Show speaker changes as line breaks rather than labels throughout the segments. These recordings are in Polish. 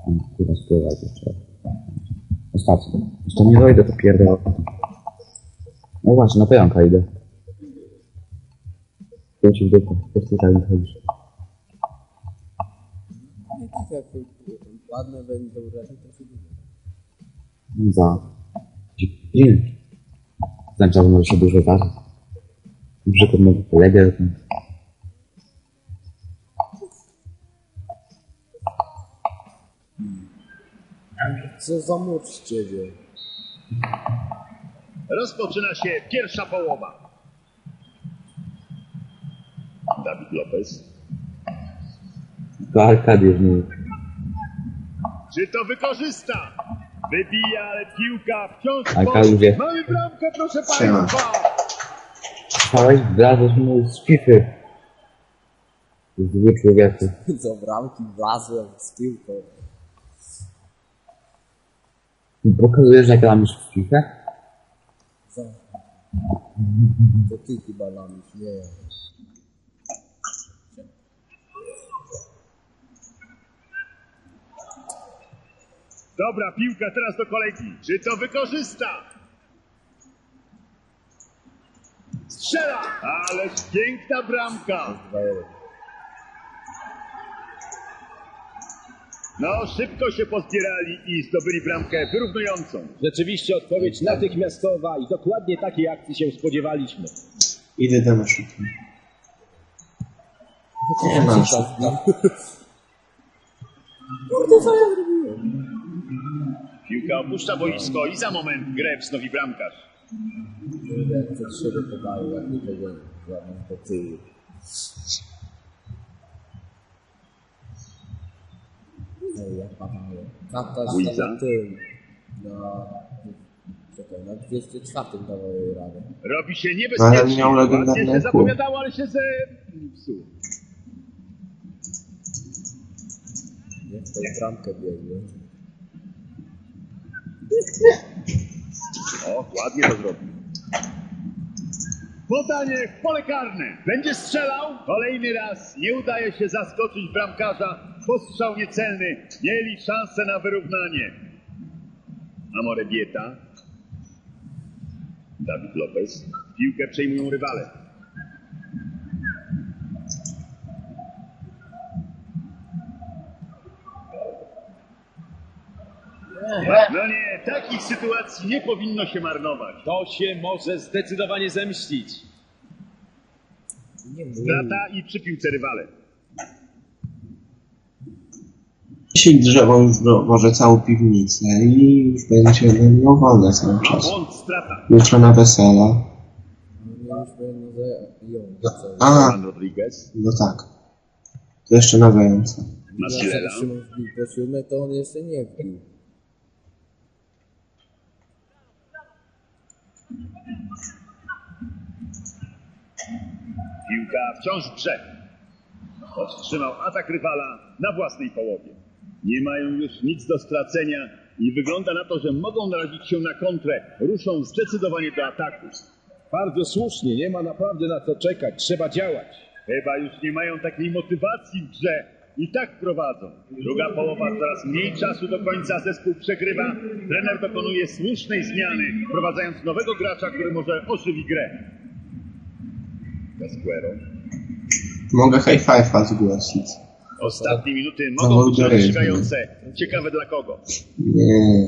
Kurwa, spływać jeszcze. Ostatni. Jeszcze nie dojdę, to pierdolę. No właśnie, na pająka idę. Kręci w dupę, po prostu tak wychodzisz.
Jak ładne będą raczej to się
Za 9. Ten czas może się dużo zdarzyć. Na przykład mój kolegę.
Co za młot z ciebie?
Rozpoczyna się pierwsza połowa. Dawid Lopez.
To Arkadiusz mówi.
Czy to wykorzysta? Wybija, ale piłka wciąż
Arkadiusz wie.
Mamy bramkę, proszę
Siema.
państwa.
Stałeś, wlazłeś mu z FIFA. Zły człowieku.
Do bramki wlazłem z piłką.
Pokazujesz, jak gramy w FIFA?
Co? To ty chyba lamisz, nie ja.
Dobra, piłka teraz do kolegi. Czy to wykorzysta? Strzela! Ależ piękna bramka.
2-1.
No, szybko się pozbierali i zdobyli bramkę wyrównującą.
Rzeczywiście odpowiedź natychmiastowa i dokładnie takiej akcji się spodziewaliśmy.
Idę do naszego. Nie mam się.
Kurde, co ja zrobiłem?
Piłka opuszcza boisko i za moment grę wznowi bramkarz.
Jak przed siebie podaję, jak nikogo żadnych do tyłu. Ej, jak padało. Tata
Łuiza.
stał tym. Czekaj, na 204 dawał jej radę.
Robi się
Ale
niebezpiecznie.
miał
Ładnie
legendarny
się
kół.
zapowiadało, ale się zepsuł.
Nie w tą bramkę biegły.
O, ładnie to zrobił. Podanie w pole karne. Będzie strzelał. Kolejny raz nie udaje się zaskoczyć bramkarza. Postrzał niecelny. Mieli szansę na wyrównanie. Amorebieta. Dawid Lopez. Piłkę przejmują rywale. No nie, takich sytuacji nie powinno się marnować.
To się może zdecydowanie zemścić.
Nie mów.
Strata i przy piłce rywale.
Dzisiaj drzewo już może całą piwnicę i już będzie miał wolne cały
Ma
czas.
błąd, strata.
Jutro na wesele.
Mieliśmy jedno zająć.
A,
Juan Rodriguez.
no tak. To jeszcze na wejęce.
Masilela.
Jak Szymon wbił po 7, to on jeszcze nie wbił.
Piłka wciąż w grze. Powstrzymał atak rywala na własnej połowie. Nie mają już nic do stracenia i wygląda na to, że mogą narazić się na kontrę. Ruszą zdecydowanie do ataku.
Bardzo słusznie, nie ma naprawdę na co czekać, trzeba działać.
Chyba już nie mają takiej motywacji w grze i tak prowadzą. Druga połowa, coraz mniej czasu do końca, zespół przegrywa. Trener dokonuje słusznej zmiany, wprowadzając nowego gracza, który może ożywi grę. Casquero.
Mogę high five'a zgłosić.
Ostatnie minuty
No,
mogą być
algorytmy.
rozstrzygające. Ciekawe dla kogo.
Nie.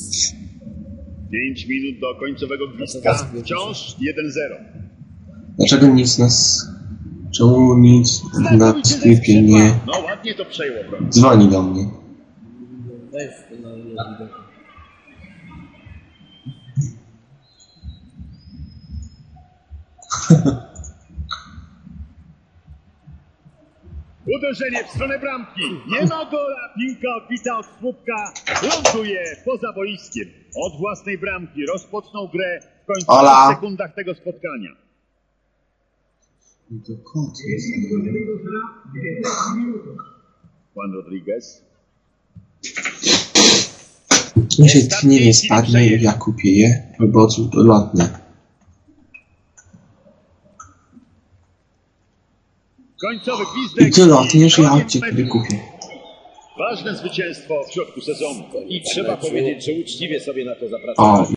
5 minut do końcowego gwizdka. Wciąż 1-0.
Dlaczego nic nas... Czemu nic na sklepie nie
No ładnie to przejęło, prawda?
dzwoni do mnie?
Weź to na ile widok.
Uderzenie w stronę bramki. Nie ma gola. Piłka odbita od słupka. Ląduje poza boiskiem. Od własnej bramki rozpoczną grę w końcowych
Ola.
sekundach tego spotkania.
To kot jest.
Juan Rodriguez.
Jeśli tchnienie spadnie, ja kupię je, albo lotne.
Końcowy gwizdek.
I ty lotniesz, ja
koniec
od ciebie
meczu.
kupię.
Ważne zwycięstwo w środku sezonu.
I trzeba powiedzieć, że uczciwie sobie na to zapracowali.
O,